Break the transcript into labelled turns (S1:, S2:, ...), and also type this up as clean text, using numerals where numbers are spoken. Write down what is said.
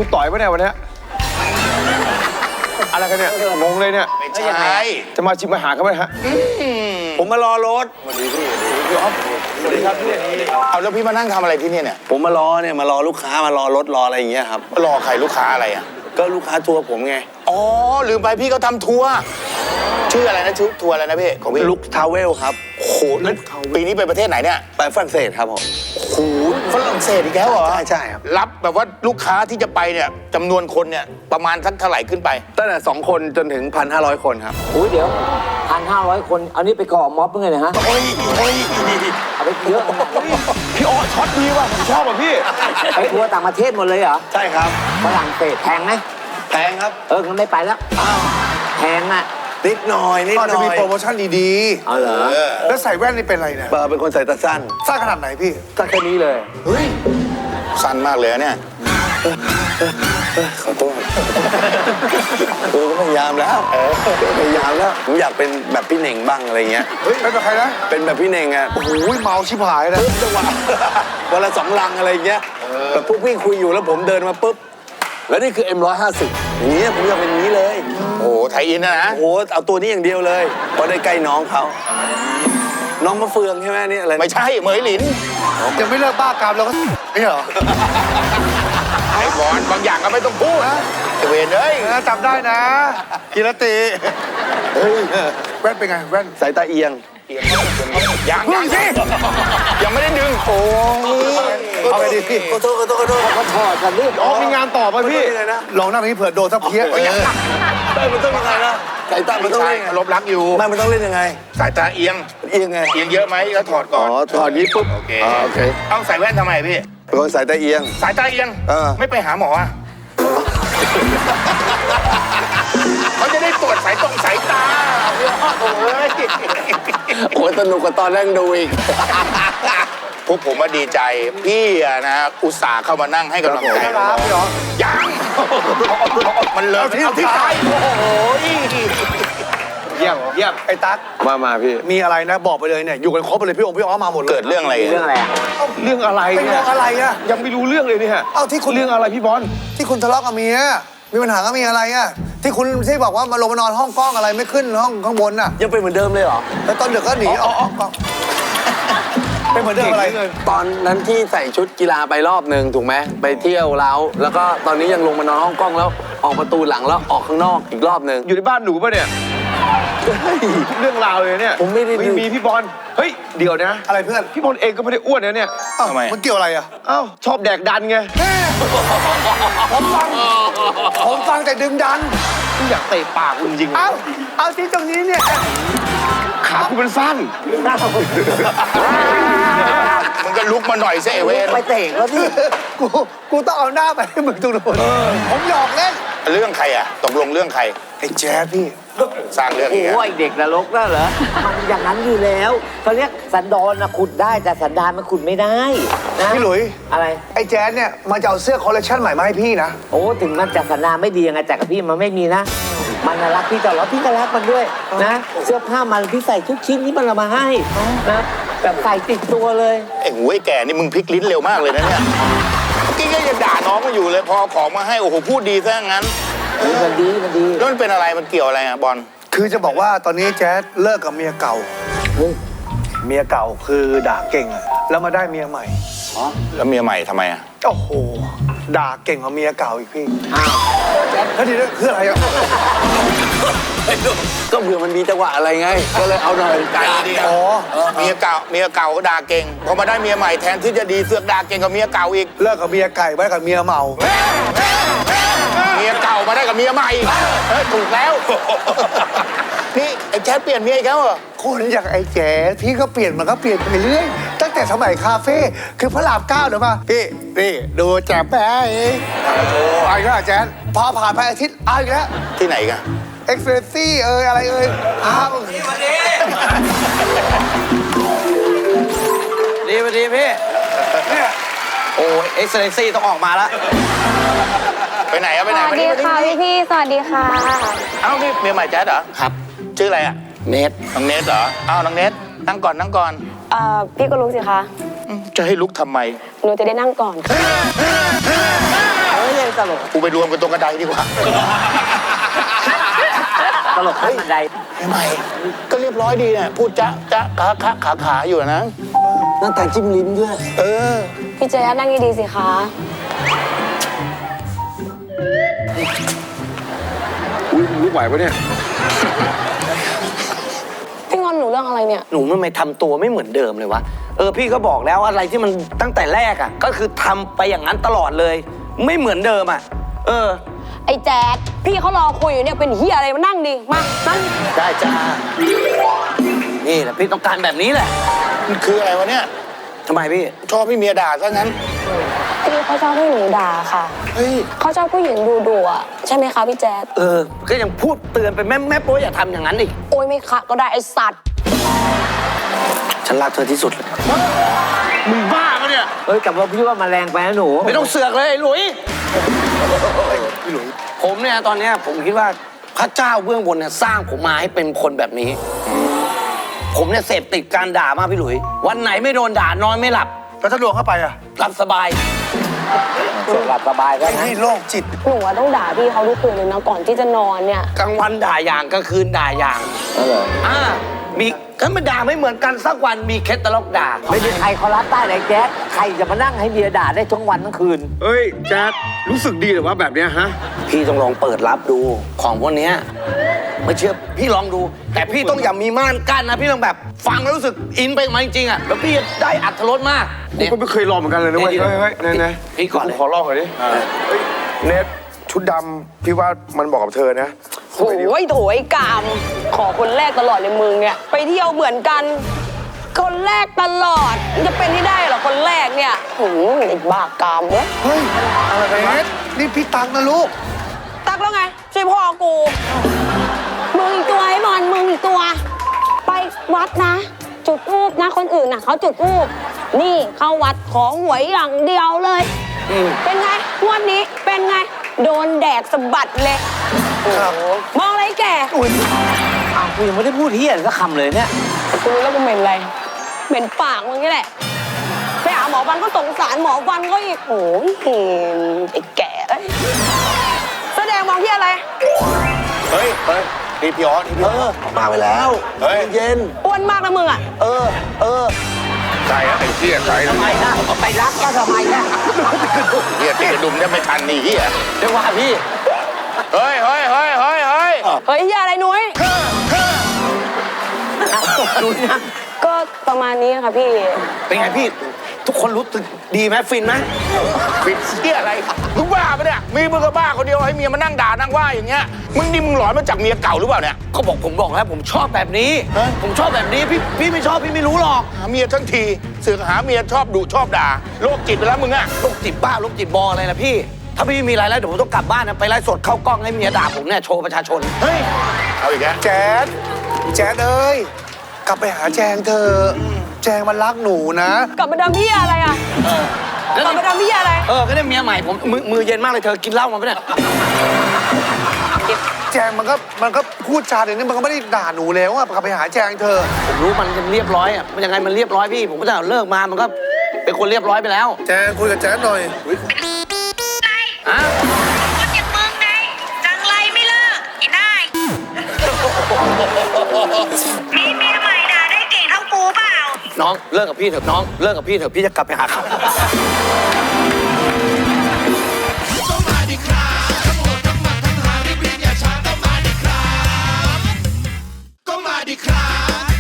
S1: คุณต่อยปะเนี่ยวันนี้อะไรกันเนี่ยงงเลยเนี่ย
S2: ไม่ใช่
S1: จะมาชิมอาหารกันไหมฮะ
S2: ผมมารอรถ
S1: สวัสดีครับพี่
S2: เอาแล้วพี่มานั่งทำอะไรที่นี่เนี่ย
S3: ผมมารอเนี่ยมารอลูกค้ามารอรถรออะไรอย่างเงี้ยครับ
S2: รอใครลูกค้าอะไรอ่ะ
S3: ก็ลูกค้าทัวร์ผมไง
S2: อ๋อลืมไปพี่เขาทำทัวร์ชื่ออะไรนะชื่อทัวร์อะไรนะพี่ของพี่
S3: ลุกทาวเวลครับ
S2: โอ้โหแล้วปีนี้ไปประเทศไหนเนี่ย
S3: ไปฝรั่งเศสครับผม
S2: โอ้โหฝรั่งเศสอีกแล้วเหรอ
S3: ใช่ครับ
S2: รับแบบว่าลูกค้าที่จะไปเนี่ยจำนวนคนเนี่ยประมาณสักเท่าไหร่ขึ้นไป
S3: ตั้งแต่2 คนจนถึง 1,500 คนครับ
S4: อุ้ยเดี๋ยว1,500 คนเอานี่ไปก่อม็อบเพื่อไงนะฮะ
S2: โอ้ยโอ้ย
S4: เอาไปเยอะ
S1: พี่อ๋อช็อตดีว่ะผมชอบอ่ะพี่
S4: ไปทัวร์ต่างประเทศหมดเลยเหรอ
S3: ใช่ครับ
S4: ฝรั่งเศสแพงไหม
S3: แพงครับ
S4: งั้นไม่ไปแล้วแพงอ่ะ
S3: นิดหน่อยนิด
S1: ก็
S3: ห
S1: จะ
S3: น่อ
S1: มี
S3: ย
S1: โปรโมชั่นดี
S4: เอาเหรอ
S1: ๆแล้วใส่แว่นนี่เป็นอะไรเนี่ย
S3: เป็นคนใส่ตาสั้น
S1: สร้างขนาดไหนพี่
S3: สั้นแค่นี้เลย
S2: เฮ้ยสั้นมากเลยอะเนี่ย
S3: ขอโทษก็พยายามแล้วพยายามแล้วผมอยากเป็นแบบพี่เน่งบ้างอะไรเงี้ย
S1: เฮ้ยเป็นแบบใครนะ
S3: เป็นแบบพี่เน่งอ่ะ
S1: โอ้โหเมาชิบหายนะ
S3: จังหวะวันละ2 ลังอะไรเงี้ยแบบพวกพี่คุยอยู่แล้วผมเดินมาปุ๊บแล้วนี่คือ M150 อย่างเงี้ยผมอยากเป็นอย่างนี้เลย
S2: โอ้โหไทยอินนะนะ
S3: โอ้โหเอาตัวนี้อย่างเดียวเลยพอได้ใกล้น้องเขาน้องมะเฟืองใช่ไหมนี่อะไร
S2: ไม่ใช่เหมยหลิน
S1: ยังไม่เลิกบ้ากามเราก็นี่เหรอ
S2: ไอ้บอลบางอย่างก็ไม่ต้องพูดนะเวนเอ้ย
S1: จำได้นะกีรติเฮ้ยแว่นเป็นไงแว่น
S3: สายตาเอียง
S2: ยังสิยังไม่ได้ดึงโอ้
S1: เอาไปดิพี่
S3: ขอโทษ
S4: ก็ถอดกันดิ
S1: อ๋อมีงานต่อป่ะพี่
S3: ยังไงนะ
S1: ลองนั่งนี้เผื่อโดนทับเพี้ย
S3: มันต้องยังไงนะสายตามัน
S2: ไม่
S3: ต้อง
S2: ใช่
S3: เล่นยังไง
S2: ลบรักอยู่
S3: ไม่มันต้องเล่นยังไง
S2: สายตาเอียง
S3: เอียงไง
S2: เอียงเยอะไหมแล้วถอดก่อน
S3: ถอดนี้ปุ๊บ
S2: โอเค
S3: โอเค
S2: เอาใส่แว่นทำไมพี่
S3: เป็นคนสายตาเอียง
S2: สายตาเอียง ไม่ไปหาหมออ่ะเขาจะได้ตรวจสายสายตาโอ้ย
S3: โอ้ยสนุกกว่าตอนนั่งดูอีก
S2: พวกผมมาดีใจพี่อะนะอุตส่าห์เข้ามานั่งให้กำลังใจ
S1: ครับพี่อ๋อ
S2: ยังมันเลยเอาที่ใจโอ้ย
S1: เยี่ยมไอ้ตั๊ก
S3: มาพี่
S1: มีอะไรนะบอกไปเลยเนี่ยอยู่กันครบไปเลยพี่องค์พี่อ๋อมาหมดเลย
S2: เกิดเรื่องอะไร
S4: เรื่องอะไรอ่ะ
S1: เรื่องอะไรเป็นเรื่องอะไรอะยังไม่รู้เรื่องเลยเนี่ยเอ้าที่คุณเรื่องอะไรพี่บอลที่คุณทะเลาะกับเมียมีปัญหากับเมียอะไรอะที่คุณที่บอกว่ามาลงมานอนห้องกล้องอะไรไม่ขึ้นห้องข้างบนน่ะ
S3: ยังเป็นเหมือนเดิมเลยเหรอ
S1: แล้วตอนดึกก็หนีออกห้องกล้องเป็นเหมือนเดิมอะไรเลย
S3: ตอนนั้นที่ใส่ชุดกีฬาไปรอบหนึ่งถูกไหมไปเที่ยวแล้วก็ตอนนี้ยังลงมานอนห้องกล้องแล้วออกประตูหลังแล้วออกข้างนอกอีกรอบหนึ่ง
S1: อยู่ในบ้านหนูป่ะเนี่ยเรื่องราวเลยเนี่ย
S3: ผมไม่ได้
S1: มีพี่บอลเฮ้ยเดี๋ยวนะอะไรเพื่อนพี่บอลเองก็ไม่ได้อ้วนนะเนี่ย
S2: ทำไม
S1: มันเกี่ยวอะไรอ่ะเอ้าชอบแดกดันไงผมฟังแต่ดึงดันกูอยากเตะปากคุณจริงๆเอาที่ตรงนี้เนี่ยขาคุณเป็นสั้น
S2: มึงก็ลุกมาหน่อยสิเอเวน
S4: ไปเตะแล้วพี่
S1: กูต้องเอาหน้าไปให้มึงตรงนู้นผมหยอกเล่น
S2: เรื่องใครอะตกลงเรื่องใคร
S1: ไอ้แจ๊ดพี่
S2: สร้างเรื่อง
S4: โอ้
S2: อีก
S4: โห
S2: อะ
S4: ไอ้เด็กนรกน่ะเหรอมันอย่างนั้นอยู่แล้วเขาเรียกสันดอนนะขุดได้แต่สันดานมันขุดไม่ได้นะ
S1: พี่หลุย
S4: อะไร
S1: ไอ้แจ๊ดเนี่ยมันจะเอาเสื้อคอลเลคชันใหม่มาให้พี่นะ
S4: โอ้ถึงมันจะสันดานไม่ดียังไงแต่กับพี่มันไม่มีนะ มันน่ะรักพี่ตลอดพี่ก็รักมันด้วยนะ เสื้อผ้ามันพี่ใส่ทุกชิ้นที่มันเอามาให้นะแบบใส่ติดตัวเลย
S2: ไอ้หูไอ้แก่นี่มึงพลิกลิ้นเร็วมากเลยนะเนี่ยเมื่อกี้ก็ยังด่าน้องมาอยู่เลยพอของมาให้โอ้โหพูดดีซะงั้น
S4: มันดีมันดี
S2: แล้วมันเป็นอะไรมันเกี่ยวอะไรอะบอล
S1: คือจะบอกว่าตอนนี้แจ๊ดเลิกกับเมียเก่า
S4: เฮ้ย
S1: เมียเก่าคือด่าเก่งอะแล้วมาได้เมียใหม่
S2: แล้วเมียใหม่ทำไมอะ
S1: โอ้โห ด่าเก่งกว่าเมียเก่าอีกพี่
S4: อ้าว
S1: แล้วทีนี้คืออะไรอะ
S3: ก็เผื่อมันมีจังหวะอะไรไง ก็เลยเอาหน่อย
S2: ใจดี
S1: อ๋อ
S2: เมียเก่าก็ด่าเก่งพอมาได้เมียใหม่แทนที่จะดีเสือกด่าเก่งกับเมียเก่าอีก
S1: เลิกกับเมียไก่ไว้กับเมียเมา
S2: เมียเก่ามาได้กับเมียใหม่เฮ้ยถูกแล้ว นี่ไอ้แจ๊ดเปลี่ยนเมียอีกแล้วเหรอ
S1: คนอย่างไอ้แจ๊ดพี่ก็เปลี่ยนมันก็เปลี่ยนไปเรื่อยตั้งแต่สมัยคาเฟ่คือพระราม9เดี๋ยวมาพี่นี่ดูแจ๊บแป๊ะเองเอาอีกแล้วแจ๊ดพอผ่านไปอาทิตย์เอาอีกแล้ว
S2: ที่ไหนกัน
S1: เอ็กซ์เพรสซี่อะไรอ้าว
S5: ดีสวัสดีพี่
S1: เนี่ย
S5: โอ้เอ็กซ์เลนซี่ต้องออกมาแล้ว
S2: ไปไหนอะไป
S6: ส
S2: ไหน
S6: วัสดีค่ะพี่ๆสวัสดีค่ะ
S2: เอ้านี่เมียใหม่แจ๊ดเหรอ
S5: ครับ
S2: ชื่ออะไรอะ
S5: เนท
S2: น้องเนทเหรออ้าวน้องเนทนั่งก่อนนั่งก่อน
S6: พี่ก็รู้สิคะ
S2: จะให้ลุกทำไม
S6: หนูจะได้นั่งก่อนค่ะ
S4: เฮ้ยอย่างตลก
S2: กูไปรวมกันตรงกระไดดีกว่า
S4: ตลกขั้นบันได
S2: ทำไมก็เรียบร้อยดีเนี่ยพูดจ๊ะจ๊ะขาอยู่นะ
S3: นั่งแต่จิ้มลิ้มด้วย
S2: เออ
S6: พี่แจ๊ดนั่งดีๆสิคะ
S3: อุ้ยลุกไหวปะเนี่ย
S6: พี่งอนหนูเรื่องอะไรเนี่ย
S5: หนูทำไมทำตัวไม่เหมือนเดิมเลยวะ พี่ก็บอกแล้วอะไรที่มันตั้งแต่แรกอ่ะ ก็คือทำไปอย่างนั้นตลอดเลย ไม่เหมือนเดิมอ่ะ
S6: ไอ้แจ๊ดพี่เขารอคุยอยู่เนี่ยเป็นเฮียอะไรมานั่งดิมานั่ง
S5: ได้จ้า นี่แหละพี่ต้องการแบบนี้แหละ
S2: มันคืออะไรวะเนี่ย
S5: ทำไมพี่
S2: ชอบให้เมียด่าซะงั้น
S6: พี่เขาชอบให้หนูด่าค่ะ
S2: เฮ้ย
S6: เขาชอบผู้หญิงดุๆอ่ะใช่ไหมคะพี่แจ๊ด
S5: ก็ยังพูดเตือนไปแม่โป๊อย่าทำอย่างนั้นอีก
S6: โอ้ยไม่คะก็ได้ไอ้สัตว์
S5: ฉันรักเธอที่สุดเลย
S2: มึงบ้าปะเนี่ย
S4: แต่ว่าพี่ว่ามาแรงไปนะหนู
S5: ไม่ต้องเสือกเลยไอ้หลุยผมเนี่ยตอนเนี้ยผมคิดว่าพระเจ้าเบื้องบนเนี่ยสร้างผมมาให้เป็นคนแบบนี้ ผมเนี่ยเสพติดการด่ามากพี่หลุย วันไหนไม่โดนด่านอนไม่หลับ
S1: แล้วถ้าโดนเข้าไปอ่ะ
S5: หลับสบาย
S4: หลับสบายก็
S1: ไอ้นี่โรคจิต
S6: หนูอะต้องด่าพี่เขาทุกคืนเลยนะก่อนที่จะนอนเนี่ย
S5: กลางวันด่าอย่างกลางคืนด่าอย่างมีก็มันด่าไม่เหมือนกันสักวันมีเคสตลกด่า
S4: ไม่มีใครเขารับได้เลยแจ๊คใครจะมานั่งให้เมียด่าได้ทั้งวันทั้งคืน
S3: เฮ้ยแจ๊ดรู้สึกดีหรือว่าแบบเนี้ยฮะ
S5: พี่ต้องลองเปิดรับดูของพวกเนี้ยไม่เชื่อพี่ลองดู แต่พี่ต้องอย่ามีม่านกั้นนะพี่ต้องแบบฟังแล้วรู้สึกอินไปกับมันจริงๆอ่ะแล้วพี่จะได้อรรถรสมาก
S3: ผมก็ไม่เคยลองเหมือนกันเลยนะเว้ย เฮ้ยไหน
S5: พี่ก่อนเลย
S3: ขอลองหน่อยดิเน็ตชุดดำพี่ว่ามันบอกกับเธอนะ
S6: โอ้ยโถยกาม ขอคนแรกตลอดเลยมึงเนี่ย ไปเที่ยวเหมือนกัน คนแรกตลอดมันจะเป็นที่ได้เหรอคนแรกเนี่ยไอ้บ้ากามเว้ย
S1: เฮ้ยอะไรเนสนี่พี่ตังนะลูก
S6: ตักแล้วไงช่วยพ่อกู มึงอีกตัวไอ้บอลมึงอีกตัว ไปวัดนะ จุดธูปนะคนอื่นน่ะเขาจุดธูปนี่เข้าวัดขอหวยอย่างเดียวเลยเป็นไงงวดนี้เป็นไง โดนแดกสะบัดเลยโอ้โหมองอะไรแก
S4: อ้าวกูยังไม่ได้พูดเฮียสักคำเลยเนี่ย
S6: กูรู้แล้วกูเหม็นอะไรเหม็นปากมึงนี่แหละไปหาหมอฟันก็สงสารหมอฟันก็อีกโอ้ยไอ้แก่เอ้ยแสดงมองที่อะไร
S2: เฮ้ยนี่พี่ออสนี่พี่ออส
S5: มาไปแล้ว
S2: เฮ้ย
S5: เย็น
S6: อ้วนมากนะมึงอ่ะ
S2: ใส่ไอ้เหี้ยใส่
S4: ทำไมนะไปรักก็ทำไมนะ
S2: เหี้ยติดกระดุมได้ไม่ทันนี่เหี้ย
S5: เรียกว่าพี่
S2: เฮ้ย
S6: เฮ้ยอย่าอะไรนุ้ยก็ประมาณนี้ค่ะพี่
S5: เป็นไงพี่ ทุกคนรู้สึกดีไหมฟินไหม
S2: ปิดเหี้ยอะไรมึงบ้าปะเนี่ยมีมึงก็บ้าคนเดียวให้เมียมานั่งด่านั่งว่าอย่างเงี้ยมึงนี่มึงหลอนมาจากเมียเก่าหรือเปล่าเนี่ย
S5: ผมบอกแล้วผมชอบแบบนี้ ผมชอบแบบนี้พี่ไม่ชอบพี่ไม่รู้หรอก
S2: หาเมียทั้งทีเสือกหาเมียชอบดุชอบด่าโรคจิตไปแล้วมึงอะ
S5: โรคจิตบ้าโรคจิตบออะไรนะพี่ ถ้าพี่มีอะไรแล้วเดี๋ยวผมต้องกลับบ้านนะไปไลฟ์สดเข้ากล้องให้เมียด่าผมเนี่ยโชว์ประชาชน
S2: เฮ้ยเอาอีกแล้ว
S1: แจ๊ดเอ้ย กลับไปหาแจงเธอะแจงมันรักหนูนะ
S6: กลับมาดำพี่อะไรอ่ะกลับมาดำพี่อะไร
S5: ก็ได้เมียใหม่ผมมือเย็นมากเลยเธอกินเหล้ามาปะเนี่ย
S1: แจงมันก็พูดจาอย่างนี้มันก็ไม่ได้ด่าหนูแล้วอะกลับไปหาแจงเธอะ
S5: ผมรู้มันเรียบร้อยอ่ะมันยังไงมันเรียบร้อยพี่ ผมก็จะเลิกมามันก็เป็นคนเรียบร้อยไปแล้ว
S1: แจงคุยกับแจงหน่อย
S5: อ่ะ
S7: คนอย่างมึงไงจังไรไม่เลิกไอ้ได้ มีเมียใหม่ด่าได้เก่งเท่ากูเปล่า
S5: น้องเลิกกับพี่เถอะน้องเลิกกับพี่เถอะพี่จะกลับไปหาเขา
S8: ก็มาดิครับทั้งหมดทั้งมันทั้งหาริบอย่าช้าก็มาดิครับก็มาดิครับ